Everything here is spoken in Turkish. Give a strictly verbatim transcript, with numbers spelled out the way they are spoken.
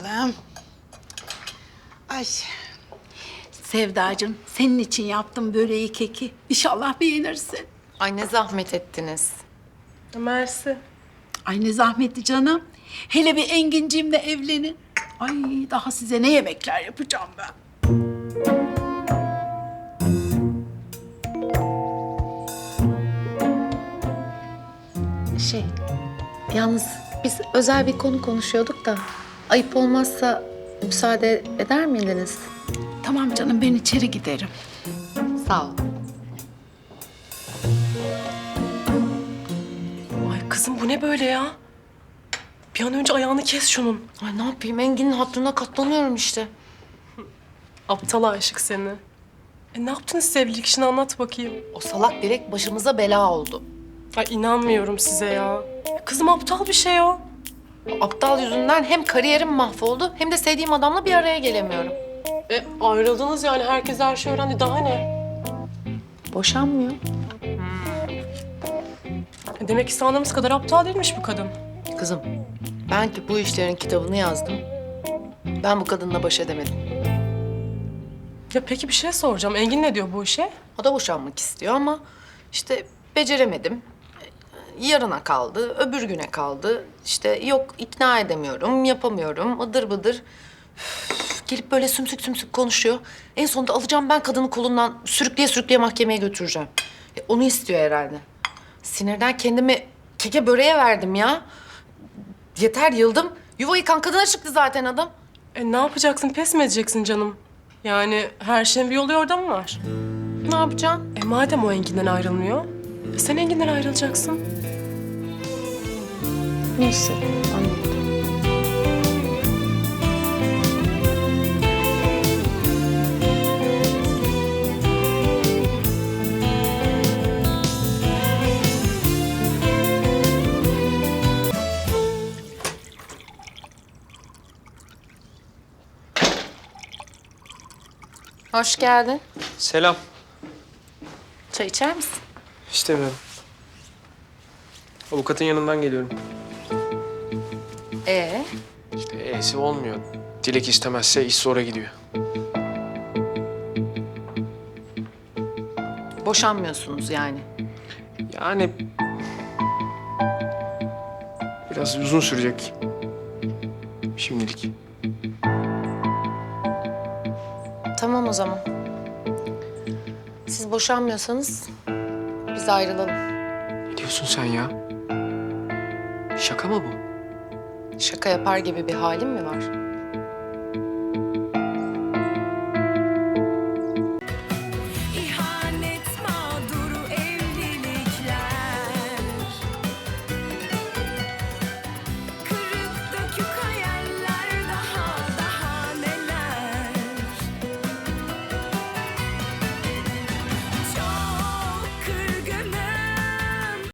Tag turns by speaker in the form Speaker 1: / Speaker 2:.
Speaker 1: bakalım. Ay. Sevdacığım, senin için yaptım böreği, keki. İnşallah beğenirsin.
Speaker 2: Ay ne zahmet ettiniz.
Speaker 3: Mersi.
Speaker 1: Ay ne zahmetli canım. Hele bir Enginciğimle evlenin. Ay daha size ne yemekler yapacağım ben.
Speaker 2: Şey, yalnız biz özel bir konu konuşuyorduk da ayıp olmazsa müsaade eder miydiniz?
Speaker 1: Tamam canım, ben içeri giderim.
Speaker 2: Sağ ol.
Speaker 3: Ay kızım bu ne böyle ya? Bir an önce ayağını kes şunun.
Speaker 2: Ay ne yapayım Engin'in hatırına katlanıyorum işte.
Speaker 3: Aptal aşık seni. E ne yaptınız sevgililik işini anlat bakayım.
Speaker 2: O salak direkt başımıza bela oldu.
Speaker 3: Ay inanmıyorum size ya. Kızım aptal bir şey o.
Speaker 2: O aptal yüzünden hem kariyerim mahvoldu hem de sevdiğim adamla bir araya gelemiyorum.
Speaker 3: E ayrıldınız yani herkes her şeyi öğrendi daha ne?
Speaker 2: Boşanmıyor.
Speaker 3: E, demek ki sandığımız kadar aptal değilmiş bu kadın.
Speaker 2: Kızım, ben ki bu işlerin kitabını yazdım. Ben bu kadınla baş edemedim.
Speaker 3: Ya peki bir şey soracağım. Engin ne diyor bu işe?
Speaker 2: O da boşanmak istiyor ama işte beceremedim. Yarına kaldı, öbür güne kaldı. İşte yok ikna edemiyorum, yapamıyorum, ıdır bıdır. Üf, gelip böyle sümsük sümsük konuşuyor. En sonunda alacağım ben kadını kolundan sürükleye sürükleye mahkemeye götüreceğim. E, onu istiyor herhalde. Sinirden kendimi keke böreğe verdim ya. Yeter yıldım. Yuva yıkan kadına çıktı zaten adam.
Speaker 3: E ne yapacaksın? Pes mi edeceksin canım? Yani her şeyin bir yolu orada mı var?
Speaker 2: Ne yapacaksın?
Speaker 3: E madem o Engin'den ayrılmıyor, e, sen Engin'den ayrılacaksın.
Speaker 2: Nasıl? Anladım. Hoş geldin.
Speaker 4: Selam.
Speaker 2: Çay içer misin?
Speaker 4: İstemiyorum. Avukatın yanından geliyorum.
Speaker 2: Ee,
Speaker 4: İşte E'si olmuyor. Dilek istemezse iş sonra gidiyor.
Speaker 2: boşanmıyorsunuz yani.
Speaker 4: Yani... Biraz uzun sürecek. Şimdilik.
Speaker 2: Tamam o zaman. Siz boşanmıyorsanız biz ayrılalım.
Speaker 4: Ne diyorsun sen ya? Şaka mı bu?
Speaker 2: Şaka yapar gibi bir halim mi var?